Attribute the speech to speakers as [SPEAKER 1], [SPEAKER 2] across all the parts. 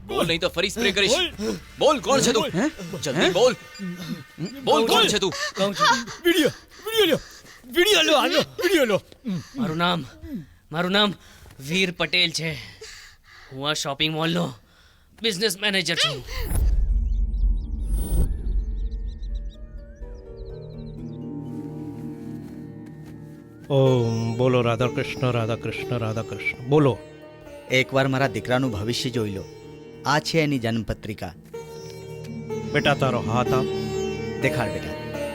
[SPEAKER 1] બોલ નહીં તો ફરી સ્પ્રે કરીશ. બોલ કોણ છે તું? જલ્દી બોલ. બોલ કોણ છે તું?
[SPEAKER 2] વિડિયો લો, આલો વિડિયો લો.
[SPEAKER 3] મારું નામ વીર પટેલ છે. હું આ શોપિંગ મોલનો બિઝનેસ મેનેજર છું.
[SPEAKER 2] ઓમ બોલો રાધા કૃષ્ણ રાધા કૃષ્ણ રાધા કૃષ્ણ. બોલો.
[SPEAKER 4] એકવાર મારા દીકરાનું ભવિષ્ય જોઈ લો. આ છે એની જન્મપત્રિકા.
[SPEAKER 2] બેટા તારો હાથ આપ.
[SPEAKER 4] દેખાડ બેટા.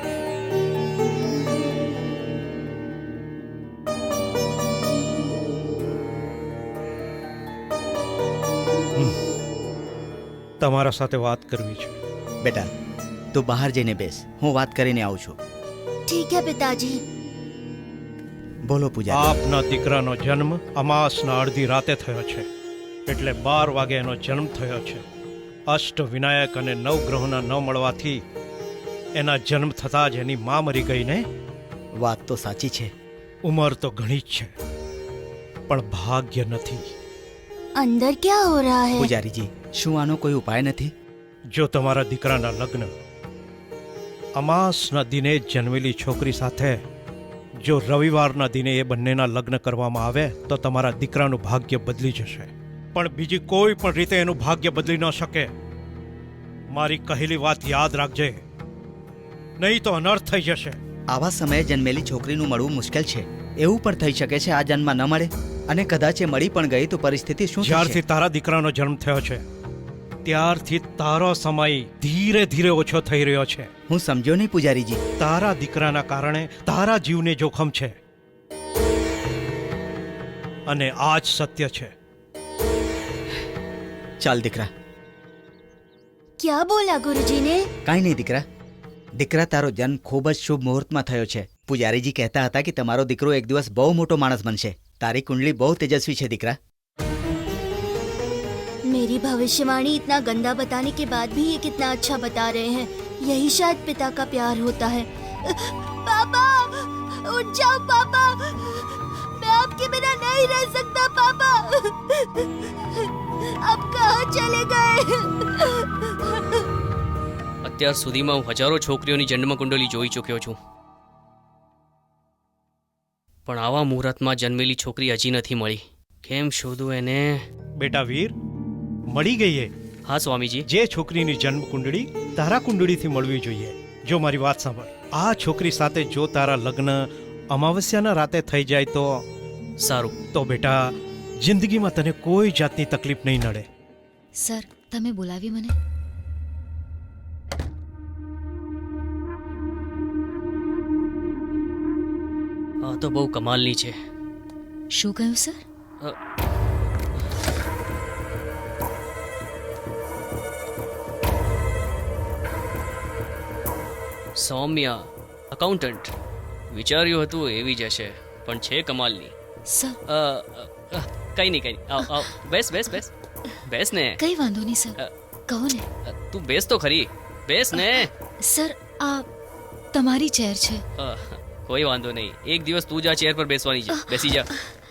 [SPEAKER 2] તમારા સાથે વાત કરવી છે.
[SPEAKER 4] બેટા તું બહાર જઈને બેસ, હું વાત કરીને આવું છું.
[SPEAKER 5] ठीक है पिताजी.
[SPEAKER 4] બોલો પૂજા.
[SPEAKER 2] આપના દીકરાનો જન્મ અમાસના અડધી રાતે થયો છે, એટલે 12 વાગે એનો જન્મ થયો છે. અષ્ટ વિનાયક અને નવગ્રહોના ન મળવાથી એના જન્મ થતાં જ એની મા મરી ગઈ ને.
[SPEAKER 4] વાત તો સાચી છે.
[SPEAKER 2] ઉંમર તો ઘણી જ છે, પણ ભાગ્ય નથી.
[SPEAKER 5] अंदर क्या हो रहा है?
[SPEAKER 4] પૂજારીજી, શું આનો કોઈ ઉપાય નથી?
[SPEAKER 2] જો તમારા દીકરાના લગ્ન અમાસના દિને જ જન્મેલી છોકરી સાથે જો રવિવારના દિને એ બંનેના લગ્ન કરવામાં આવે તો તમારા દીકરાનું ભાગ્ય બદલી જશે. પણ બીજી કોઈ પણ રીતે એનું ભાગ્ય બદલી ન શકે. મારી કહેલી વાત યાદ રાખજે, નહીં તો અનર્થ થઈ જશે.
[SPEAKER 4] આવા સમયે જન્મેલી છોકરીનું મળવું મુશ્કેલ છે. એવું પણ થઈ શકે છે આ જન્મમાં ન મળે, અને કદાચ એ મળી પણ ગઈ તો પરિસ્થિતિ શું
[SPEAKER 2] જ્યારથી
[SPEAKER 4] થશે?
[SPEAKER 2] તારા દીકરાનો જન્મ થયો છે ત્યારથી તારો સમય ધીરે ધીરે ઓછો થઈ રહ્યો છે.
[SPEAKER 4] હું સમજ્યો નહીં પૂજારીજી.
[SPEAKER 2] તારા દીકરાના કારણે તારા જીવને જોખમ છે, અને આ જ સત્ય છે.
[SPEAKER 4] ચાલ દીકરા.
[SPEAKER 5] क्या बोला गुरुजी ने?
[SPEAKER 4] કાંઈ નહીં દીકરા. દીકરા, તારો જન્મ ખૂબ જ શુભ મુહૂર્તમાં થયો છે. પૂજારીજી કહેતા હતા કે તમારો દીકરો એક દિવસ બહુ મોટો માણસ બનશે. તારી કુંડલી બહુ તેજસ્વી છે દીકરા.
[SPEAKER 5] मेरी भविष्यवाणी इतना गंदा बताने के बाद भी ये कितना अच्छा बता रहे हैं. यही शायद पिता का प्यार होता है. पापा, उठ जाओ पापा. मैं आपके बिना नहीं रह सकता पापा. अब कहाँ चले गए?
[SPEAKER 3] અત્યાર સુધીમાં હું હજારો છોકરીઓની જન્મ કુંડલી જોઈ ચૂક્યો છું, પણ આવા મુહૂર્તમાં જન્મેલી છોકરી હજી નથી મળી. કેમ શોધું એને?
[SPEAKER 2] બેટા વીર, મળી ગઈ એ.
[SPEAKER 3] હા સ્વામીજી.
[SPEAKER 2] જે છોકરીની જન્મ કુંડળી તારા કુંડળીથી મળવી જોઈએ. જો મારી વાત સાંભળ, આ છોકરી સાથે જો તારા લગ્ન અમાવસ્યાના રાતે થઈ જાય તો
[SPEAKER 3] સારું.
[SPEAKER 2] તો બેટા જિંદગીમાં તને કોઈ જાતની તકલીફ નહીં નડે.
[SPEAKER 6] સર, તમે બોલાવી મને?
[SPEAKER 3] આ તો બહુ કમાલની છે.
[SPEAKER 6] શું કહ્યું સર?
[SPEAKER 3] સૌમ્યા, અકાઉન્ટન્ટ. વિચાર્યું હતું એવી જ હશે, પણ છે કમાલની.
[SPEAKER 6] સર,
[SPEAKER 3] કઈ નહીં. આવ આવ, બેસ બેસ બેસ બેસ ને.
[SPEAKER 6] કઈ વાંધો નહીં સર, કહો ને.
[SPEAKER 3] તું બેસ તો ખરી, બેસ ને.
[SPEAKER 6] સર, આ તમારી ચેર છે.
[SPEAKER 3] કોઈ વાંધો નહીં, એક દિવસ તું જ આ ચેર પર બેસવાની છે. બેસી જા.